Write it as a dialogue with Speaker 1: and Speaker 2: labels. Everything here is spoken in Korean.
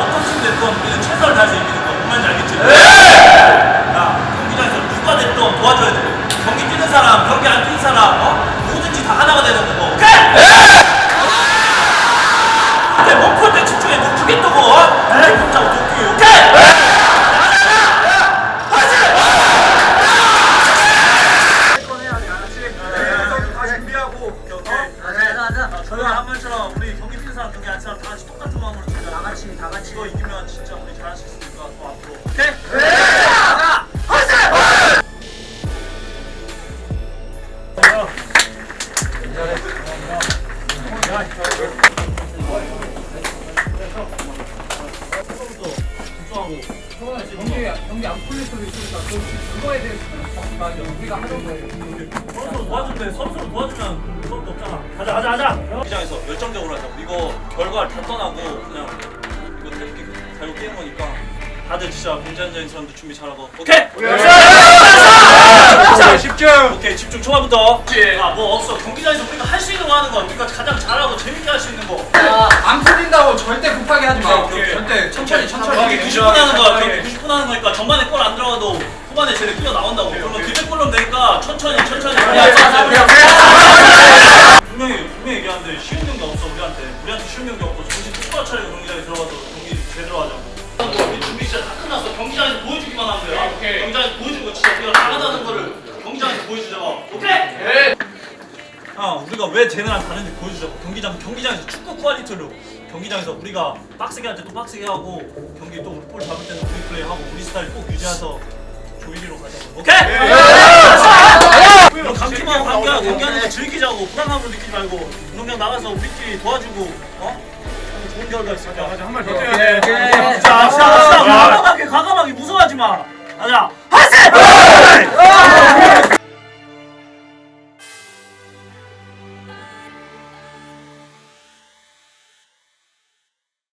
Speaker 1: 어떤 팀 됐건 우리는 최선을 다해서 이기는 거. 뭔 말인지 알겠지? 야, 경기장에서 누가 됐든 도와줘야 돼. 경기 뛰는 사람, 경기 안 뛰는 사람, 뭐든지 다 하나가 되는 거고. 오케이? 근데 몸풀 때 집중해. 너 크게 뜨고, 이렇게 붙자고 도끼. 오케이? 저희가 한 말처럼 우리 경기 뛰는 사람, 경기 안 뛰는 사람 다 같이 똑같은 마음으로 치자. 다 같이 이거 이기면 진짜 우리 잘할 수 있으니까 더 앞으로. 오케이? 가자!
Speaker 2: 경기 안 풀릴 수도 있으니까 그거에 대해서 우리가 하는 거예요.
Speaker 1: 서로 도와준대. 서로 도와주면 그것도 없잖아. 가자. 경기장에서 열정적으로 하자. 이거 결과를 다 떠나고 그냥 이거 태극기 달고 뛰는 거니까 다들 진짜 공전적인 사람들 준비 잘하고. 오케이?
Speaker 3: 집중!
Speaker 1: 오케이, 집중. 초반부터. 뭐 없어. 경기장에서 우리가 할 수 있는 거 하는 거. 우리가 가장 잘하고 재밌게 할 수 있는 거.
Speaker 2: 안 풀린다고 절대 급하게 하지 마.
Speaker 1: 오케이.
Speaker 2: 절대 천천히.
Speaker 1: 경기 90분 하는 거야. 경기 90분 하는 거니까 전반에 골 안 들어가도 후반에 쟤네 뛰어 나온다고. 그러면 기백골로 되니까 천천히. 분명히 얘기하는데 쉬운 경기 없어 우리한테 쉬운 경기 없고 정신 똑바로 차리고 경기장에 들어가서 경기 제대로 하자고. 우리 준비 진짜 다 끝났어. 경기장에서 보여주기만 하면 돼.
Speaker 2: 오케이.
Speaker 1: 경기장에서 보여주는 거 진짜 우리가 잘하다는 거를 경기장에서 보여주자고. 오케이? 네. 우리가 왜 쟤네랑 다른지 보여주자고. 경기장에서 축구 퀄리티로 경기장에서 우리가 빡세게 할 때 또 빡세게 하고 경기 또 볼 잡을 때는 우리 플레이 하고 우리 스타일 꼭 유지해서 조이기로 가자고. 오케이? 이런 강팀하고 경기하는 거 즐기자고. 불안함으로 느끼지 말고 운동장 나가서 우리끼리 도와주고 좋은 결과 있을까?
Speaker 3: 한 말 더 뛰어야 돼.
Speaker 1: 자, 과감하게 무서워하지 마. 가자. 하세!